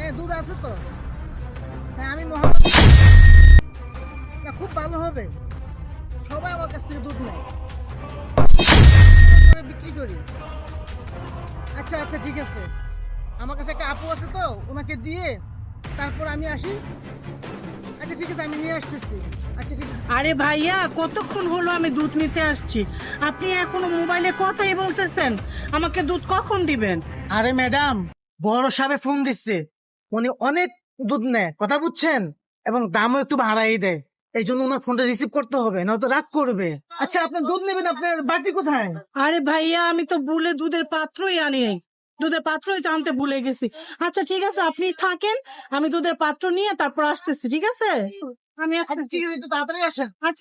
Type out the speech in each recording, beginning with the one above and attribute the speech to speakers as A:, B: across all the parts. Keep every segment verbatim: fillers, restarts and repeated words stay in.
A: হ্যাঁ দুধ আছে তো। হ্যাঁ আমি মোহাম্মদ, না খুব ভালো হবে, সবাই আমার কাছ থেকে দুধ নেয়, করে বিক্রি করি। আচ্ছা আচ্ছা ঠিক আছে, আমার কাছে একটা আপু আছে তো, ওনাকে দিয়ে তারপর আমি আসি। আচ্ছা ঠিক আছে, আমি নিয়ে আসতেছি। আচ্ছা ঠিক আছে।
B: আরে ভাইয়া, কতক্ষণ হলো আমি দুধ নিতে আসছি, আপনি এখনো মোবাইলে কথাই বলতেছেন। আমাকে দুধ কখন দিবেন?
A: আরে ম্যাডাম, বড় সাহেব ফোন দিচ্ছে, উনি অনেক দুধ নেয়, কথা বুঝছেন, এবং দামও একটু বাড়াই দেয়, এই জন্য ওনার ফোনটা রিসিভ করতে হবে, নয়তো রাগ করবে। আচ্ছা আপনার দুধ নেবেন, আপনার বাটি কোথায়?
B: আরে ভাইয়া, আমি তো ভুলে দুধের পাত্রই আনি নাই, দুধের পাত্রই তো আনতে ভুলে গেছি। আচ্ছা ঠিক আছে, আপনি থাকেন, আমি দুধের পাত্র নিয়ে তারপর আসতেছি, ঠিক আছে? আমি
A: আচ্ছা
B: আসতেছি।
A: ঠিক আছে, একটু তাড়াতাড়ি আসেন।
B: আচ্ছা।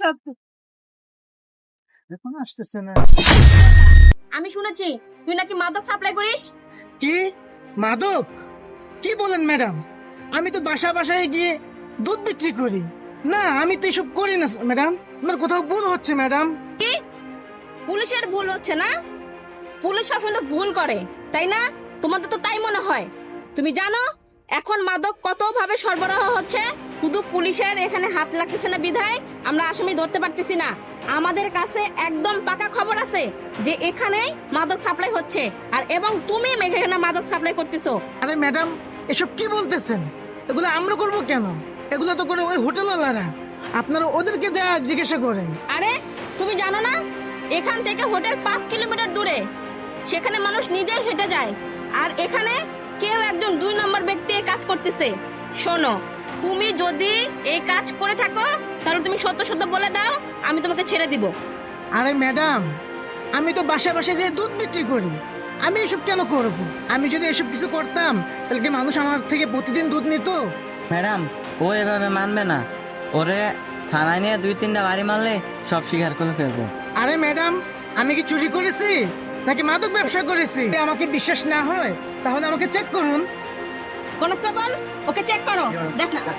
A: এখন আসতেছে না।
C: আমি শুনেছি তুই নাকি মাদক সাপ্লাই করিস।
A: কি মাদক? কি বলেন ম্যাডাম? আমি তো বাসা বাসায় গিয়ে দুধ বিক্রি করি। না আমি তো এসব করি না ম্যাডাম, আপনার কোথাও ভুল হচ্ছে ম্যাডাম।
C: কি পুলিশের ভুল হচ্ছে না? পুলিশ সবসময় তো ভুল করে, তাই না? তোমাদের তো তাই মনে হয়। তুমি জানো এখন মাদক কত ভাবে সরবরাহ হচ্ছে? শুধু পুলিশের এখানে হাত লাগতেছে না বিধায় আমরা আসামি ধরতে পারতেছি না। আমাদের কাছে একদম পাকা খবর আছে যে এখানেই মাদক সাপ্লাই হচ্ছে, আর এবং তুমি এখানে মাদক সাপ্লাই করতেছো।
A: আরে ম্যাডাম, এসব কি বলতেছেন? এগুলো আমরা করবো কেন? এগুলো তো করে ওই হোটেলওয়ালারা, আপনারা ওদেরকে যা জিজ্ঞাসা করেন।
C: আরে তুমি জানো না এখান থেকে হোটেল পাঁচ কিলোমিটার দূরে, সেখানে মানুষ নিজেই হেঁটে যায়, আর এখানে কেউ একজন দুই নম্বর ব্যক্তি এই কাজ করতেছে। শোনো, তুমি যদি এই কাজ করে থাকো তাহলে তুমি সত্য সত্য বলে দাও, আমি তোমাকে ছেড়ে দিব।
A: আরে ম্যাডাম, আমি তো বাসা বাসায় যে দুধ বিক্রি করি, আমি এসব কেন করব? আমি যদি এসব কিছু করতাম তাহলে কি মানুষ আমার থেকে প্রতিদিন দুধ নিত?
D: ম্যাডাম, ও এভাবে মানবে না। ওরে থানায় নিয়ে দুই তিনটা বাড়ি মারলে সব স্বীকার করে ফেলবো।
A: আরে ম্যাডাম, আমি কি চুরি করেছি নাকি মাদক ব্যবসা করেছি? যদি আমাকে বিশ্বাস না হয় তাহলে আমাকে চেক করুন।
C: কনস্টেবল, ওকে চেক করো, দেখ না।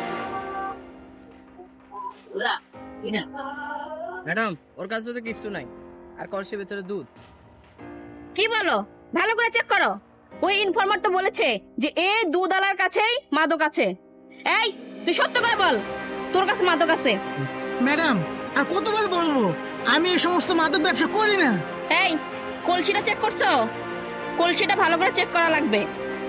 E: ম্যাডাম, ওর কাছে তো কিছু নাই, আর কলসির ভিতরে দুধ।
C: কি বলো? ভালো করে চেক করো। ওই ইনফরমার তো বলেছে যে এই দুধওয়ালার কাছেই মাদক আছে। এই তুই সত্য করে বল, তোর কাছে মাদক আছে?
A: ম্যাডাম, আর কতবার বলবো, আমি এই সমস্ত মাদক ব্যবসা করি না।
C: এই কলসিটা চেক করছো? কলসিটা ভালো করে চেক করা লাগবে।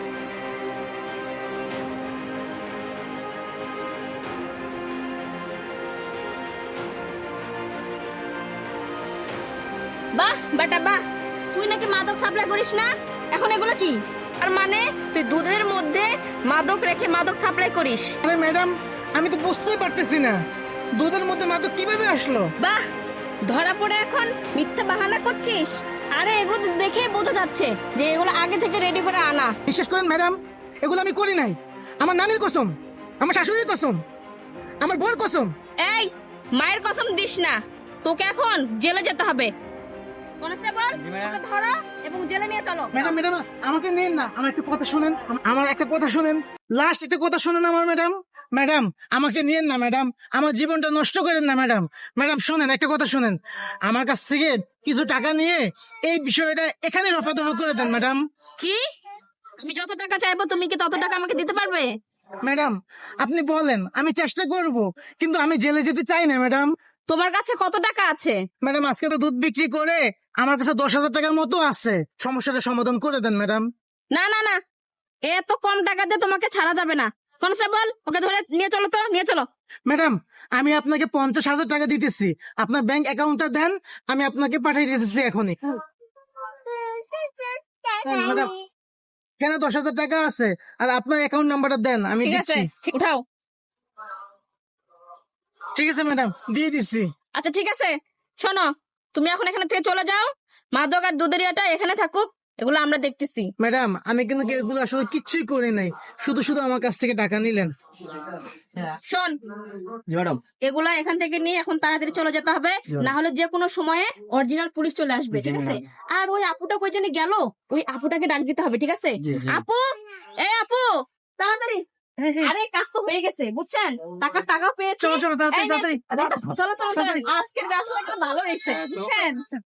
C: বাহ বেটা বাহ, তুই নাকি মাদক সাপ্লাই করিস না? এখন এগুলো কি? আর মানে তুই দুধের মধ্যে মাদক রেখে মাদক সাপ্লাই করিস?
A: আরে ম্যাডাম, আমি তো বুঝতেই পারতেছি না দুধের মধ্যে মাদক কিভাবে আসলো।
C: বাহ, ধরা পড়ে এখন মিথ্যা বাহানা করছিস? আরে এগুলো তো দেখে বোঝা যাচ্ছে যে এগুলো আগে থেকে রেডি করে আনা।
A: বিশ্বাস করেন ম্যাডাম, এগুলো আমি করি নাই। আমার নানির কসম, আমার শাশুড়ির কসম, আমার বউর কসম।
C: এই মায়ের কসম দিস না, তোকে এখন জেলে যেতে হবে। কনস্টেবল,
D: জি, ম্যাডাম।
C: ওকে ধরো এবং জেলে নিয়ে চলো।
A: ম্যাডাম ম্যাডাম, আমাকে নিন না, আমার একটা কথা শুনেন, আম- আমার একটা কথা শুনেন, লাস্ট একটা কথা শুনেন আমার। ম্যাডাম ম্যাডাম, আমাকে নিয়েন না ম্যাডাম, আমার জীবনটা নষ্ট করেন না ম্যাডাম। ম্যাডাম শুনেন, একটা কথা শুনেন, আমার কাছ থেকে কিছু টাকা নিয়ে এই বিষয়টা এখানে রফা দফা করে দেন ম্যাডাম।
C: কি? আমি যত টাকা চাইবো তুমি কি তত টাকা আমাকে দিতে পারবে?
A: ম্যাডাম আপনি বলেন, আমি চেষ্টা করব, কিন্তু আমি জেলে যেতে চাই না ম্যাডাম।
C: তোমার কাছে কত টাকা আছে?
A: ম্যাডাম আজকে তো দুধ বিক্রি করে আমার কাছে দশ হাজার টাকার মতো আছে, সমস্যাটা সমাধান করে দেন ম্যাডাম।
C: না না না, এত কম টাকাতে তোমাকে ছাড়া যাবে না। কনস্টেবল, ওকে ধরে নিয়ে চলো তো, নিয়ে চলো।
A: ম্যাডাম আমি আপনাকে পঞ্চাশ হাজার টাকা দিতেছি, আপনার ব্যাংক অ্যাকাউন্টটা দেন, আমি আপনাকে পাঠিয়ে দিতেছি এখনই। হ্যাঁ, ম্যাডাম কেন দশ হাজার টাকা আছে, আর আপনার অ্যাকাউন্ট নাম্বারটা দেন, আমি
C: ঠিক আছে,
A: দিচ্ছি।
C: ঠিক উঠাও।
A: ঠিক আছে ম্যাডাম, দিয়ে দিচ্ছি।
C: আচ্ছা ঠিক আছে, শোনো, তুমি এখন এখানে থেকে চলে যাও। মাদক আর দুধের ইয়েটা এখানে থাকুক, এগুলো আমরা দেখতেছি।
A: ম্যাডাম আমি কিন্তু এগুলো আসলে কিচ্ছুই করে নাই, শুধু শুধু আমার কাছ থেকে টাকা নিলেন।
C: শোন,
E: জি ম্যাডাম।
C: এগুলা এখান থেকে নিয়ে এখন তাড়াতাড়ি চলে যেতে হবে, না হলে যে কোনো সময়ে অরিজিনাল পুলিশ চলে আসবে, ঠিক আছে? আর ওই আপুটা কই জানি গেল, ওই আপুটাকে ডাক দিতে হবে, ঠিক আছে?
E: জি, জি।
C: আপু, এই আপু, তাড়াতাড়ি। আরে কাজ তো হয়ে গেছে, বুঝছেন? টাকার টাকা পেয়েছি।
A: চলো, চলো, তাড়াতাড়ি,
C: এই নে,
A: তাড়াতাড়ি।
C: চলো চলো চলো, আজকের ব্যবসা ভালো হয়েছে, বুঝছেন?